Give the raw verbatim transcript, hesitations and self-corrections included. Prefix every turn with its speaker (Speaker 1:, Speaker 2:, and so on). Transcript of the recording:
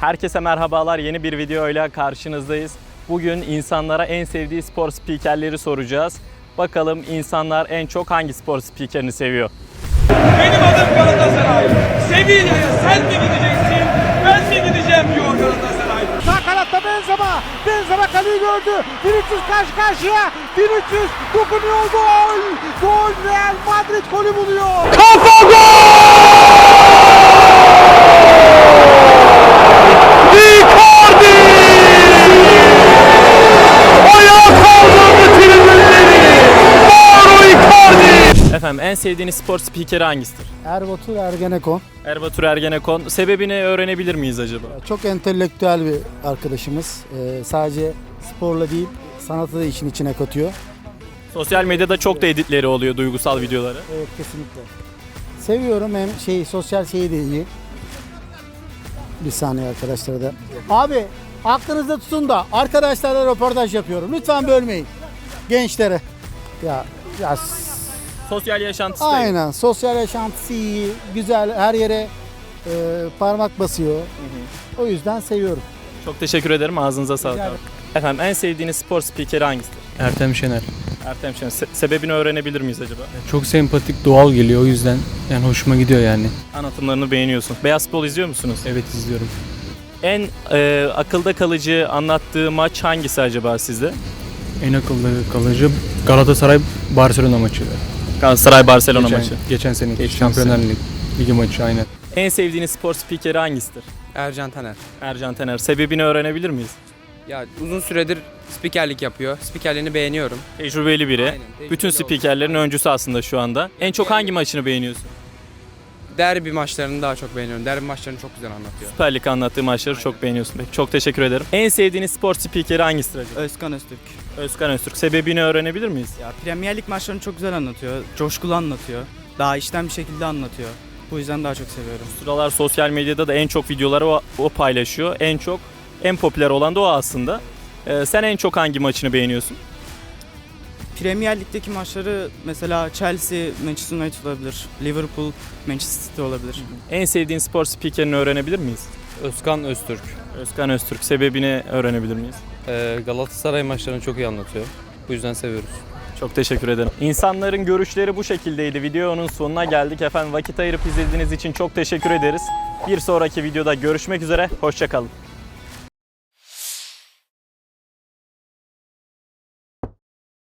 Speaker 1: Herkese merhabalar, yeni bir videoyla karşınızdayız. Bugün insanlara en sevdiği spor spikerleri soracağız. Bakalım insanlar en çok hangi spor spikerini seviyor?
Speaker 2: Benim adım Galatasaray. Sevilla'ya sen mi gideceksin, ben mi gideceğim diyor Galatasaray.
Speaker 3: Sağ kanatta Benzema. Benzema kaleyi gördü. Vinicius karşı karşıya. Vinicius dokunuyor, gol. Gol, Real Madrid golü buluyor.
Speaker 2: Kafa gol! Icardi! Ayağa kaldırdı tribünleri. Mauro Icardi!
Speaker 1: Efendim en sevdiğiniz spor spikeri hangisidir?
Speaker 3: Erbatur Ergenekon.
Speaker 1: Erbatur Ergenekon. Sebebini öğrenebilir miyiz acaba?
Speaker 3: Çok entelektüel bir arkadaşımız. Ee, sadece sporla değil, sanatı da işin içine katıyor.
Speaker 1: Sosyal medyada çok da editleri oluyor, duygusal videoları.
Speaker 3: Evet, kesinlikle. Seviyorum, hem şey sosyal şeyi de iyi. Bir saniye arkadaşlar da. Abi aklınızda tutun da arkadaşlarla röportaj yapıyorum. Lütfen bölmeyin. Gençlere. Ya ya
Speaker 1: Sosyal yaşantısı da iyi.
Speaker 3: aynen, sosyal yaşantısı iyi, güzel, her yere e, parmak basıyor. O yüzden seviyorum.
Speaker 1: Çok teşekkür ederim, ağzınıza sağlık.
Speaker 3: Rica
Speaker 1: abi. Efendim en sevdiğiniz spor spikeri hangisidir?
Speaker 4: Ertem Şener.
Speaker 1: Ertem Şener. Se- sebebini öğrenebilir miyiz acaba?
Speaker 4: Çok sempatik, doğal geliyor, o yüzden yani hoşuma gidiyor yani.
Speaker 1: Anlatımlarını beğeniyorsun. Beyaz Futbol izliyor musunuz?
Speaker 4: Evet, izliyorum.
Speaker 1: En e, akılda kalıcı anlattığı maç hangisi acaba sizde?
Speaker 4: En akıllı kalıcı Galatasaray Barcelona maçı.
Speaker 1: Galatasaray Barcelona
Speaker 4: geçen,
Speaker 1: maçı.
Speaker 4: Geçen seneki
Speaker 1: Geçen
Speaker 4: Şampiyonlar Ligi, Ligi maçı aynen.
Speaker 1: En sevdiğiniz spor spikeri hangisidir?
Speaker 5: Ercan Taner.
Speaker 1: Ercan Tener. Sebebini öğrenebilir miyiz?
Speaker 5: Ya uzun süredir spikerlik yapıyor. Spikerliğini beğeniyorum.
Speaker 1: Tecrübeli biri.
Speaker 5: Aynen, tecrübeli
Speaker 1: Bütün
Speaker 5: oldu.
Speaker 1: spikerlerin öncüsü aslında şu anda. En çok hangi maçını beğeniyorsun?
Speaker 5: Derbi maçlarını daha çok beğeniyorum. Derbi maçlarını çok güzel anlatıyor.
Speaker 1: Süper Lig anlattığı maçları çok beğeniyorsun. Peki, çok teşekkür ederim. En sevdiğiniz spor spikeri hangisidir acaba?
Speaker 6: Özkan Öztürk.
Speaker 1: Özkan Öztürk. Sebebini öğrenebilir miyiz?
Speaker 6: Ya Premier Lig maçlarını çok güzel anlatıyor. Coşkulu anlatıyor. Daha içten bir şekilde anlatıyor. Bu yüzden daha çok seviyorum.
Speaker 1: Sıralar sosyal medyada da en çok videoları o, o paylaşıyor. En çok, en popüler olan da o aslında. Ee, sen en çok hangi maçını beğeniyorsun?
Speaker 6: Premier Lig'deki maçları mesela Chelsea, Manchester United olabilir. Liverpool, Manchester City olabilir.
Speaker 1: En sevdiğin spor spikerini öğrenebilir miyiz?
Speaker 7: Özkan Öztürk.
Speaker 1: Özkan Öztürk. Sebebini öğrenebilir miyiz?
Speaker 7: Ee, Galatasaray maçlarını çok iyi anlatıyor. Bu yüzden seviyoruz.
Speaker 1: Çok teşekkür ederim. İnsanların görüşleri bu şekildeydi. Videonun sonuna geldik. Efendim vakit ayırıp izlediğiniz için çok teşekkür ederiz. Bir sonraki videoda görüşmek üzere. Hoşça kalın.